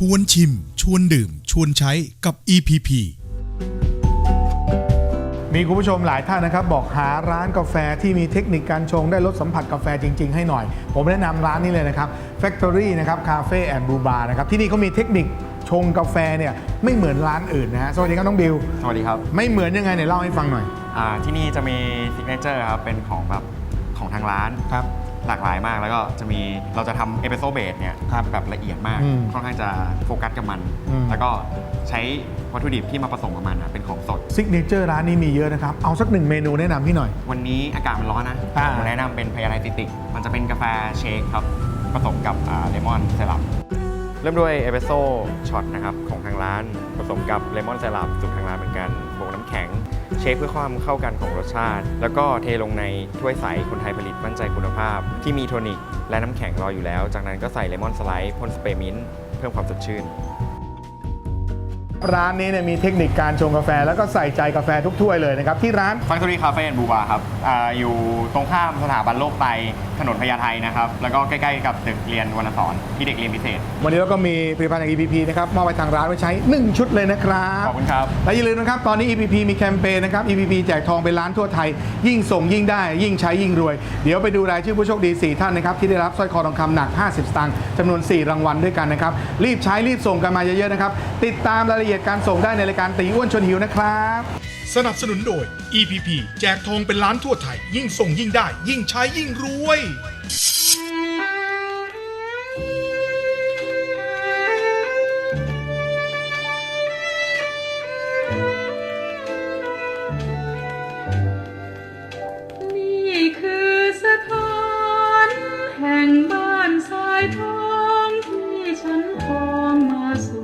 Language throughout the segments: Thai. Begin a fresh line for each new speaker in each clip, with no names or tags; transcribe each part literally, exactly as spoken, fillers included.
วนชิมชวนดื่มชวนใช้กับ อี พี พี
มีคุณผู้ชมหลายท่านนะครับบอกหาร้านกาแฟที่มีเทคนิคการชงได้รสสัมผัสกาแฟจริงๆให้หน่อยผมแนะนำร้านนี้เลยนะครับ Factory นะครับ Cafe and Brew Bar นะครับที่นี่เขามีเทคนิคชงกาแฟเนี่ยไม่เหมือนร้านอื่นนะฮะสวัสดีครับน้องบิว
สวัสดีครับ
ไม่เหมือนยังไงเนี่ยเล่าให้ฟังหน่อย
อ่าที่นี่จะมีซิกเนเจอร์ครับเป็นของแบบของทางร้าน
ครับ
หลากหลายมากแล้วก็จะมีเราจะทำเอสเปรสโซ่เบสเนี่ย
ครับ
แบบละเอียดมาก
อืม
ค่อนข้างจะโฟกัสกับมัน
อืม
แล้วก็ใช้วัตถุดิบที่มาผสมกับมันอะเป็นของสด
ซิกเนเจอร์ร้านนี้มีเยอะนะครับเอาสักหนึ่งเมนูแนะนำพี่หน่อย
วันนี้อากาศมันร้อนนะ
อ่า
ผมแนะนำเป็นพายาไลติติกมันจะเป็นกาแฟเชคครับผสมกับเลมอนไซรัปเริ่มด้วยเอสเปรสโซ่ช็อตนะครับของทางร้านผสมกับเลมอนไซรัปสูตรทางร้านเหมือนกันบวกน้ำแข็งเชคเพื่อความเข้ากันของรสชาติ แล้วก็เทลงในถ้วยใสคนไทยผลิตมั่นใจคุณภาพ ที่มีโทนิกและน้ำแข็งรออยู่แล้ว จากนั้นก็ใส่เลมอนสไลด์พ่นสเปรย์มิ้นท์เพิ่มความสดชื่น
ร้านนี้เนี่ยมีเทคนิคการชงกาแฟแล้วก็ใส่ใจกาแฟทุกถ้วยเลยนะครับที่ร้าน
Factory Cafe and Brew Bar ครับอาอยู่ตรงข้ามสถาบันโลกไตถนนพญาไทนะครับแล้วก็ใกล้ๆกับตึกเรียนวรรณสอนที่เด็กเรียนพิเศษ
วันนี้เราก็มีผลิตภัณฑ์จาก อี พี พี นะครับมอบไปทางร้านไว้ใช้ หนึ่ง ชุดเลยนะครับ
ขอบคุณครับ
และอย่าลืมนะครับตอนนี้ อี พี พี มีแคมเปญนะครับ อี พี พี แจกทองเป็นล้านทั่วไทยยิ่งส่งยิ่งได้ยิ่งใช้ยิ่งรวยเดี๋ยวไปดูรายชื่อผู้โชคดี สี่ ท่านนะครับที่ได้รับสร้อยคอทองคำหนักห้าสิบสตางค์จำนวน สี่ รางวัลด้วยกันนะครับรีบใช้รีบส่งกันมาเยอะๆนะครับติดตามรายละเอียดการส่งได้ในรายการตีอ้วนชวนหิวนะครับ
สนับสนุนโดย อี พี พี แจกทองเป็นล้านทั่วไทยยิ่งส่งยิ่งได้ยิ่งใช้ยิ่งรวย
นี่คือสถานแห่งบ้านสายทองที่ฉันคองมาสู่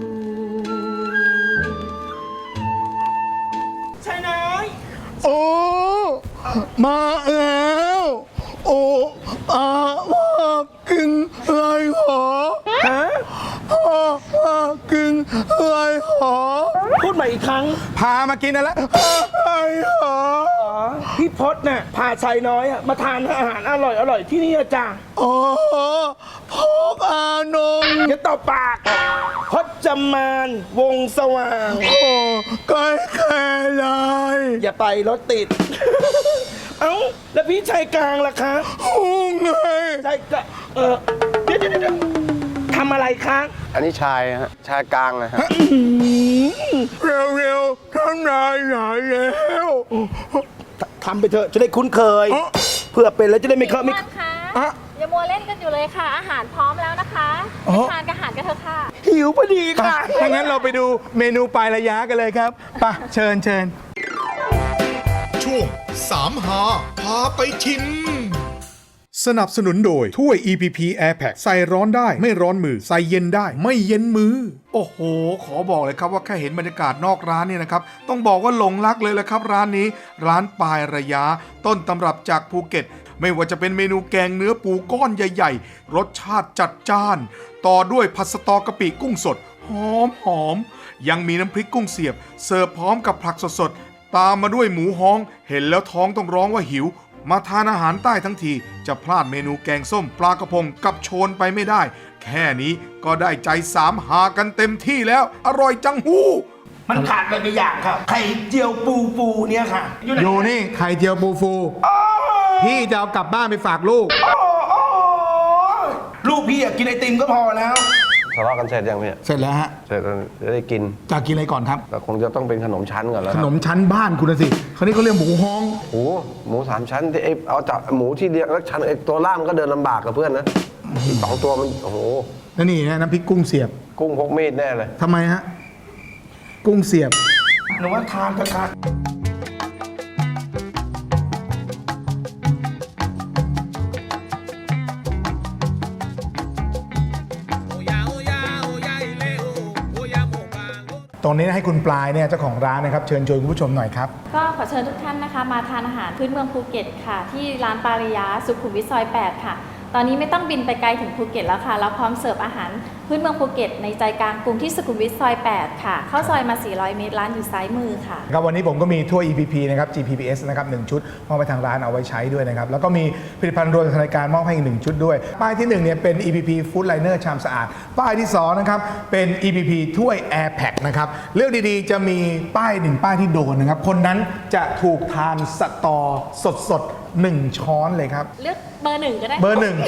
ชายน้อย
โอ้มาแล้วโอ้อาว่ากินอะไรหรอ
ฮะ
พ่อว่ากินอะไรหรอ
พูดใหม่อีกครั้ง
พามากินอะไรอะไรหรอ
อ๋อ พี่พศน่ะ พาชายน้อยอะมาทานอาหารอร่อยอร่อยที่นี่อะจ้า
อ๋อพกอานง
อย่าตอบปาก พจมานวงสว่าง
โอ้ใกล้แค่ไร
อย่าไปรถติด เอ้า แล้วพี่ชายกลางล่ะคะ
หุ้งไง
ชายกลางเออเดี๋ยวเดี๋ยวเดี๋ยวทำอะไรคะ
อันนี้ชายฮะชายกลางนะฮะ
เร็วๆท่านนายใหญ่แล้ว
ทำไปเถอะจะได้คุ้นเคย
อ๋อ
เพื่อเป็นแล้วจะได้ไม่เคอะไม่
ท่านคะ
อะ
อย่ามัวเล่นกันอยู่เลยค่ะ อาหารพร้อมแล้วนะคะ
อ๋อ
ไปทานกับอาหารกันเถอะค่ะ
หิวพอดีค่ะ
ถ้างั้นเราไปดูเมนูปลายระยะกันเลยครับไปเชิญเชิญ
ช่วงสามหาพาไปชิม สนับสนุนโดยถ้วย อี พี พี Air Pack ใส่ร้อนได้ไม่ร้อนมือใส่เย็นได้ไม่เย็นมือ โอ้โห ขอบอกเลยครับว่าแค่เห็นบรรยากาศนอกร้านเนี่ยนะครับต้องบอกว่าหลงรักเลยแหละครับร้านนี้ร้านปลายระยะต้นตำรับจากภูเก็ต ไม่ว่าจะเป็นเมนูแกงเนื้อปูก้อนใหญ่ๆ รสชาติจัดจ้าน ต่อด้วยผัดสะตอกะปิกุ้งสดหอมหอมยังมีน้ำพริกกุ้งเสียบเสิร์ฟพร้อมกับผักสดๆตามมาด้วยหมูฮ้องเห็นแล้วท้องต้องร้องว่าหิวมาทานอาหารใต้ทั้งทีจะพลาดเมนูแกงส้มปลากระพงกับโชนไปไม่ได้ แค่นี้ก็ได้ใจสามหากันเต็มที่แล้วอร่อยจังหู้
มันขาดไปไปอย่างครับ ไข่เจียวปูปูเนี่ยค่ะ อยู่ไหน
อยู่นี่ไข่เจียวปูฟู พี่จะเอากลับบ้านไปฝากลูก
โอ้โอ้ลูกพี่อยากกินไอติมก็พอแล้ว
ทะเลาะกันเสร็จยังพี่
เสร็จแล้วฮะ
เสร็จแล้วจะได้กิน
จะกินอะไรก่อนครับ
แต่คงจะต้องเป็นขนมชั้นก่อนแล้ว
ข
ครับ
นมชั้นบ้านคุณนะสิคราวนี้เขาเรียกหมูฮ้อง
โอ้โหหมูสามชั้นที่ไอ้เอาจากหมูที่เดียวแล้วชั้นไอ้ตัวล่างก็เดินลำบากกับเพื่อนนะอีกสองตัวมันโอ้โห
แล้วนี่นะน้ำพริกกุ้งเสียบ
กุ้งพกมีดแน่เลย
ทำไมฮะ กุ้งเสียบ
หนูว่าทานเถอะค่ะ
ตรงนี้ให้คุณปลายเนี่ยเจ้าของร้านนะครับเชิญชวนคุณผู้ชมหน่อยครับ
ก็ขอเชิญทุกท่านนะคะ มาทานอาหารพื้นเมืองภูเก็ตค่ะ ที่ร้านปาริยาสุขุมวิทซอยแปดค่ะ ตอนนี้ไม่ต้องบินไปไกลถึงภูเก็ตแล้วค่ะเราพร้อมเสิร์ฟอาหารพื้นเมืองภูเก็ตในใจกลางกรุงที่สุขุมวิทซอย แปด ค่ะ เข้าซอยมา สี่ร้อย เมตร ร้านอยู่ซ้ายมือค่ะ
ครับวันนี้ผมก็มีถ้วย อี พี พี นะครับ จี พี พี เอส นะครับหนึ่งชุดมอบไปทางร้านเอาไว้ใช้ด้วยนะครับ แล้วก็มีผลิตภัณฑ์รวมทางรายการมอบให้อีกหนึ่งชุดด้วย ป้ายที่หนึ่งเนี่ยเป็น อี พี พี Food Liner ชามสะอาด ป้ายที่สองนะครับเป็น อี พี พี ถ้วย Air Pack นะครับเรื่องดีๆจะมีป้ายหนึ่งป้ายที่โดนนะครับคนนั้นจะถูกทานสตอสดๆหนึ่งช้อนเลยครับ
เลือกเบอร์หนึ่งก็ได้
เบอร์หนึ่ง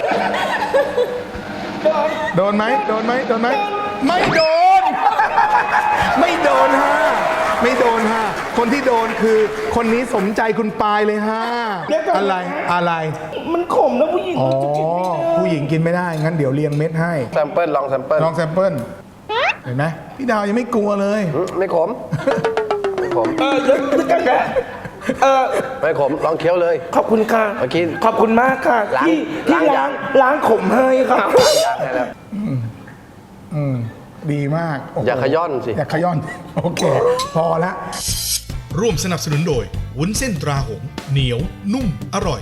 โดนไหมโดนไหมโดนไหมไม่โดน ไม่โดนฮะไม่โดนฮะคนที่โดนคือคนนี้สมใจคุณปายเลยฮะ
เดี๋ยวก่อนนะ
อะไรอะไร
มันขมนะผู้หญิง
อ๋อ
มันจะกินไม่ได้
ผู้หญิงกินไม่ได้งั้นเดี๋ยวเรียงเม็ดให้
แซมเปิลลองแซมเปิล
ลองแซมเปิลเห็นไหมพี่ดาวยังไม่กลัวเลย
อืมไม่ขม ไม่ขม
เออเดี๋ยวเดี๋ยวกันนะเออ
ไม่ขม ลองเคี้ยวเลย
ขอบคุณค่ะ
เมื่อกี้
ขอบคุณมากค่ะ
ล้าง
ที่ที่
ล้าง
ล้างล้างขมให้ค่ะ
ยากได้แล้ว
อืมดีมากโโห
อย่าขย้อนสิ
อย่าขย้อน โอเค พอละ
ร่วมสนับสนุนโดยวุ้นเส้นตราหงส์เหนียว นุ่ม อร่อย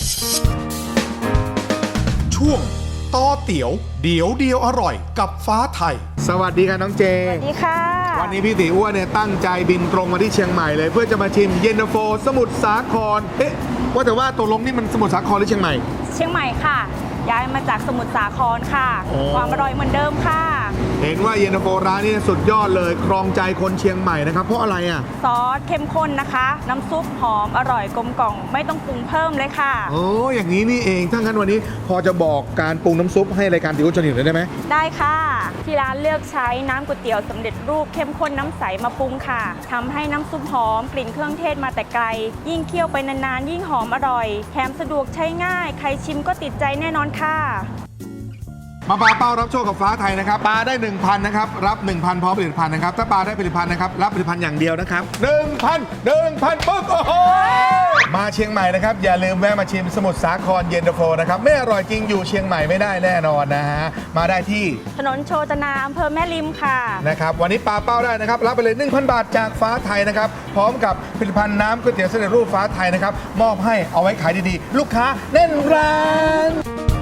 ช่วงต่อเตี๋ยว เดี๋ยวเดียวอร่อยกับฟ้าไทย
สวัสดีค่ะน้องเจ
สวัสดีค่ะ
วันนี้พี่ตีอ้วนเนี่ยตั้งใจบินตรงมาที่เชียงใหม่เลย เพื่อจะมาชิมเย็นตาโฟสมุทรสาครเอ๊ะว่าแต่ว่าตกลงนี่มันสมุทรสาครหรือเชียงใหม่
เชียงใหม่ค่ะ ย้ายมาจากสมุทรสาครค่ะ
โอ้
ความอร่อยเหมือนเดิมค่ะ
เห็นว่าเย็นตาโฟร้านนี้สุดยอดเลยครองใจคนเชียงใหม่นะครับเพราะอะไรอ่ะ
ซอสเข้มข้นนะคะ น้ำซุปหอมอร่อยกลมกล่อมไม่ต้องปรุงเพิ่มเลยค่ะ
โอ้อย่างนี้นี่เองถ้างั้นวันนี้พอจะบอกการปรุงน้ำซุปให้รายการติวชนเห็นเลยได้ไหม
ได้ค่ะ ที่ร้านเลือกใช้น้ำก๋วยเตี๋ยวสำเร็จรูปเข้มข้นน้ำใสมาปรุงค่ะทำให้น้ำซุปหอมกลิ่นเครื่องเทศมาแต่ไกล ยิ่งเคี่ยวไปนานๆยิ่งหอมอร่อยแถมสะดวกใช้ง่าย ใครชิมก็ติดใจแน่นอนค่ะ
มาปาเป้ารับโชคกับฟ้าไทยนะครับปาได้ หนึ่งพัน นะครับรับ หนึ่งพัน พร้อมผลิตภัณฑ์นะครับถ้าปาได้ผลิตภัณฑ์นะครับรับผลิตภัณฑ์อย่างเดียวนะครับ หนึ่งพัน หนึ่งพัน ปึ๊กโอ้โหมาเชียงใหม่นะครับอย่าลืมแวะมาชิมสมุทรสาครเย็นตาโฟนะครับไม่อร่อยจริงอยู่เชียงใหม่ไม่ได้แน่นอนนะฮะมาได้ที่
ถนนโชตนาอำเภอแม่ริมค่ะ
นะครับวันนี้ปาเป้าได้นะครับรับไปเลย หนึ่งพัน บาทจากฟ้าไทยนะครับพร้อมกับผลิตภัณฑ์น้ำก๋วยเตี๋ยวสำเร็จรูปฟ้าไทยนะครับมอบให้เอาไว้ขายดีๆ ลูกค้าแน่นร้าน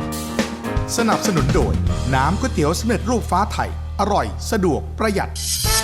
สนับสนุนโดยน้ำก๋วยเตี๋ยวสำเร็จรูปฟ้าไทย อร่อย สะดวกประหยัด